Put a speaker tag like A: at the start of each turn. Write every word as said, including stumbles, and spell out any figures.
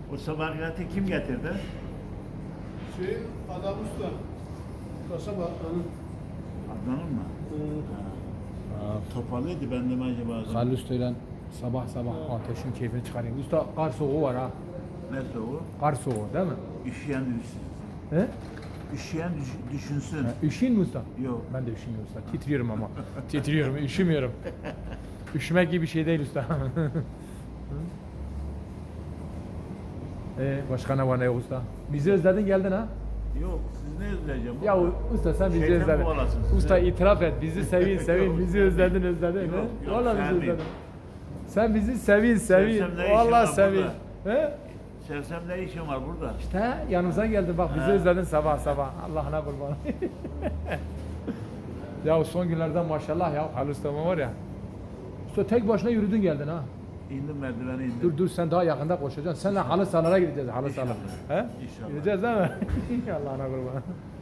A: O sabahiyatı kim getirdi?
B: Şey, adam usta. Kasaba Adnan'ın.
A: Adnan'ın mı? Ha. Topalıydı ben de mi acaba?
C: Halil Usta'yla sabah sabah ateşin keyfini çıkarayım. Usta kar soğuğu var ha.
A: Ne soğuğu?
C: Kar soğuğu değil mi?
A: Üşüyen düşünsün.
C: He?
A: Üşüyen düş- düşünsün.
C: Ha, üşüyün mu usta?
A: Yok.
C: Ben de üşümüyorum usta. Titriyorum ama. Titriyorum, üşümüyorum. Üşümek gibi bir şey değil usta. Ee, başka ne var ne yok usta? Bizi özledin geldin ha?
A: Yok, siz ne özleyeceğim?
C: Ya usta sen bizi
A: Şeytan
C: özledin.
A: kovalasın sizi.
C: Usta itiraf et. Bizi sevin sevin. Bizi özledin özledin.
A: Yok,
C: he?
A: yok,
C: Vallahi bizi
A: sevmeyeyim.
C: özledin. Sen bizi sevin sevin.
A: Sevsem ne işim
C: Vallahi
A: var
C: sevin.
A: burada?
C: He?
A: Sevsem ne işim var burada?
C: İşte yanımıza geldin bak bizi
A: Ha.
C: özledin sabah sabah. Allah'ına kurban. Ya son günlerden maşallah ya Halil Usta'ma var ya. Usta tek başına yürüdün geldin ha.
A: İndim merdiveni indim.
C: Dur dur sen daha yakında koşacaksın. Seninle halı sahalara gideceğiz halı sahalara.
A: İnşallah.
C: He?
A: İnşallah.
C: Gideceğiz değil mi? Allah'ına kurban.